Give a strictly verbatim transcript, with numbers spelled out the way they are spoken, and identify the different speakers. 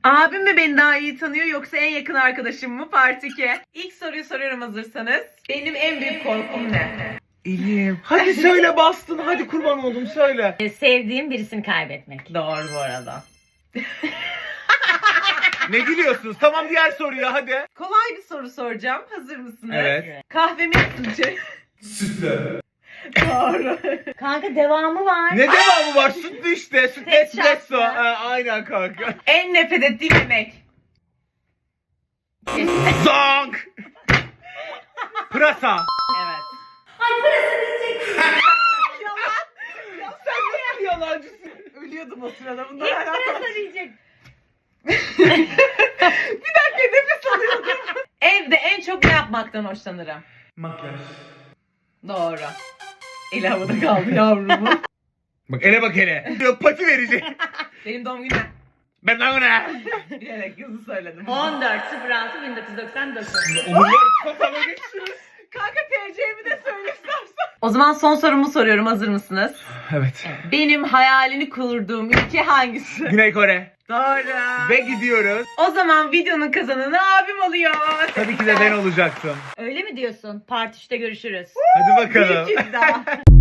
Speaker 1: Abim mi beni daha iyi tanıyor yoksa en yakın arkadaşım mı? Part iki. İlk soruyu soruyorum hazırsanız. Benim en büyük korkum ne?
Speaker 2: İyiyim. Hadi söyle bastın. Hadi kurban oldum söyle.
Speaker 3: Ee, Sevdiğim birisini kaybetmek.
Speaker 1: Doğru bu arada.
Speaker 2: Ne gülüyorsunuz? Tamam diğer soruya hadi.
Speaker 1: Kolay bir soru soracağım. Hazır mısınız?
Speaker 2: Evet.
Speaker 1: Kahve mi sütçü?
Speaker 2: Sütle.
Speaker 1: Doğru.
Speaker 3: Kanka devamı var.
Speaker 2: Ne devamı var? Sütlü işte. Sütlü
Speaker 3: Tek şartla.
Speaker 2: espresso. Ha, aynen kanka.
Speaker 1: En nefret ettiğim yemek.
Speaker 2: Zank. Pırasa.
Speaker 1: Evet.
Speaker 3: Ay parası diyecek.
Speaker 1: Yalan. Ya sen nasıl yalancısın? Ölüyordum o sırada. Bundan
Speaker 3: İlk
Speaker 1: hala
Speaker 3: parası diyecek.
Speaker 1: Bir dakika nefes alıyordum. Evde en çok ne yapmaktan hoşlanırım?
Speaker 2: Makyaj.
Speaker 1: Doğru. El havada kaldı yavrumu.
Speaker 2: Bak ele bak ele. Yok pati verecek.
Speaker 1: Benim doğum günüm.
Speaker 2: Ben lan ona.
Speaker 1: Bilerek hızlı söyledim.
Speaker 3: on dört sıfır altı bin dokuz yüz doksan dokuz.
Speaker 2: Onlar kafama geçiyor.
Speaker 1: Kanka T C'mi de söyle istersen. O zaman son sorumu soruyorum. Hazır mısınız?
Speaker 2: Evet.
Speaker 1: Benim hayalini kurduğum ülke hangisi?
Speaker 2: Güney Kore.
Speaker 1: Doğru.
Speaker 2: Ve gidiyoruz.
Speaker 1: O zaman videonun kazananı abim oluyor.
Speaker 2: Tabii ki de ben olacaktım.
Speaker 3: Öyle mi diyorsun? Part üçte görüşürüz.
Speaker 2: Hadi bakalım.
Speaker 1: Bir kez daha.